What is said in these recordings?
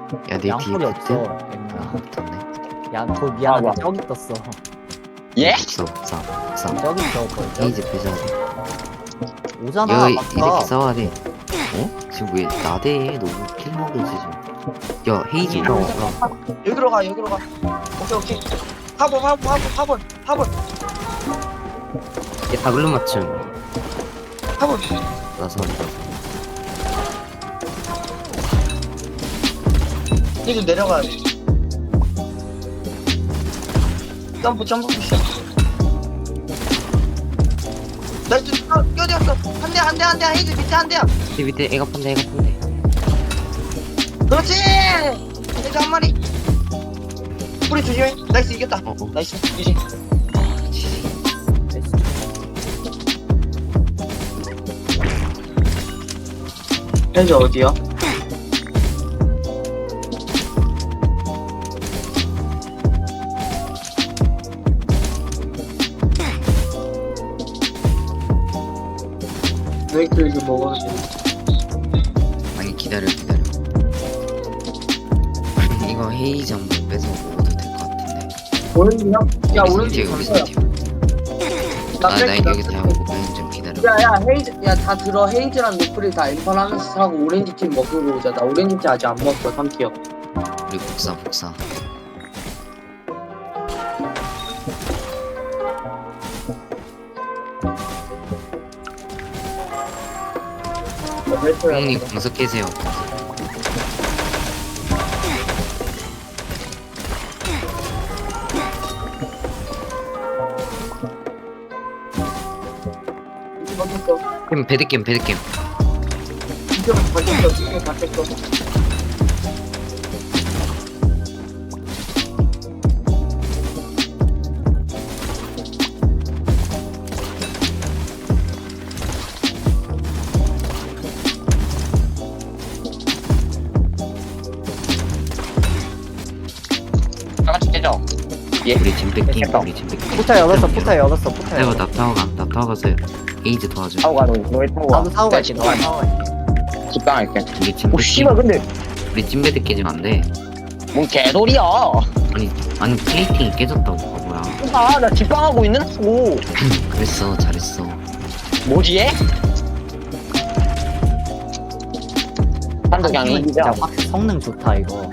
야, 내 뒤에 양털이 없어. 붙어? 엠마. 붙었네. 야, 거 미안한데 와. 저기 떴어. 예? 없어, 없어. 저기 떴어. 헤이즈 빼줘야 돼. 오잖아. 야, 아까. 이렇게 싸워야 돼. 어? 지금 왜 나대? 너무 킬 먹으지 지금. 야, 헤이즈 올라와. 여기로 가, 여기로 가. 오케이, 오케이. 화분. 얘 다글로 맞춤. 화분. 나서 이거 내려가야 돼. 점프 미션. 나이스, 껴들었어. 한 대, 헤이즈 밑에 한 대야. 밑에 애가 판대. 그렇지! 헤이즈 한 마리. 뿌리 조심해. 나이스, 이겼다. 어. 나이스, 이지. 헤이즈 어디야? 메이크 이제 먹어야 돼. 아니 기다려. 이거 헤이즈 한번 빼서 먹어도 될 것 같은데. 오렌지야? 야, 오렌지 우리 강서야. 팀. 나 나 뺄게, 나 여기 다 뺄게. 먹고 좀 기다려. 야, 헤이즈, 야, 다 들어. 헤이즈랑 노플이 다 엠펄하면서 사고 오렌지 팀 먹고 오자. 나 오렌지 팀 아직 안 먹었어, 3티어. 우리 복사. 형님 공석 깨세요. 그럼 배드겜. 진짜 바뀌었어. 다 같이 깨져. 우리 짐 뺏김. 포탈 열었어. 포탈 이거 열었어. 나 타워 가세요. 헤이즈 도와줘. 타고 가, 너희 타고 가. 나도 사고 갈게. 내가 나도 사고 갈게. 집당할게. 우리 짐 오, 씨발, 뺏김. 근데, 우리 찜 배드 깨지면 안 돼. 뭔 개소리야. 아니 플레이팅이 깨졌다고 바보야. 아, 나 집당하고 있는다고. 그랬어, 잘했어. 뭐지, 얘? 한도 그냥 아니, 이기자. 진짜 확 성능 좋다 이거.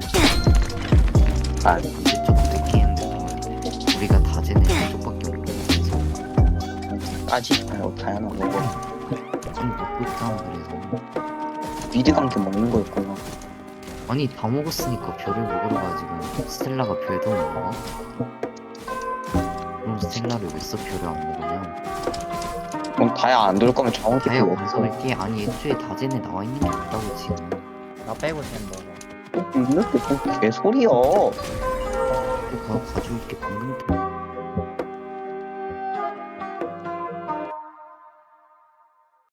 아, 언제 좀 늦게 했는데 우리가 다제는 쪽밖에 없어. 까지. 아유, 다양한 거고. 좀 먹고 있다 그래서. 미드 감기 먹는 거였구나. 아니 다 먹었으니까 별을 먹으러 가지고 스텔라가 별도 못 먹어? 그럼 스텔라를 왜 써 별을 안 먹으냐? 그럼 다야 안 돌 거면 정확히 다야 그거 원석을 깨. 아니 애초에 다제는 나와 있는 게 없다고 지금. 나 빼고 샜 거. 있는 게뭔 개소리야. 또 가져올게 방금.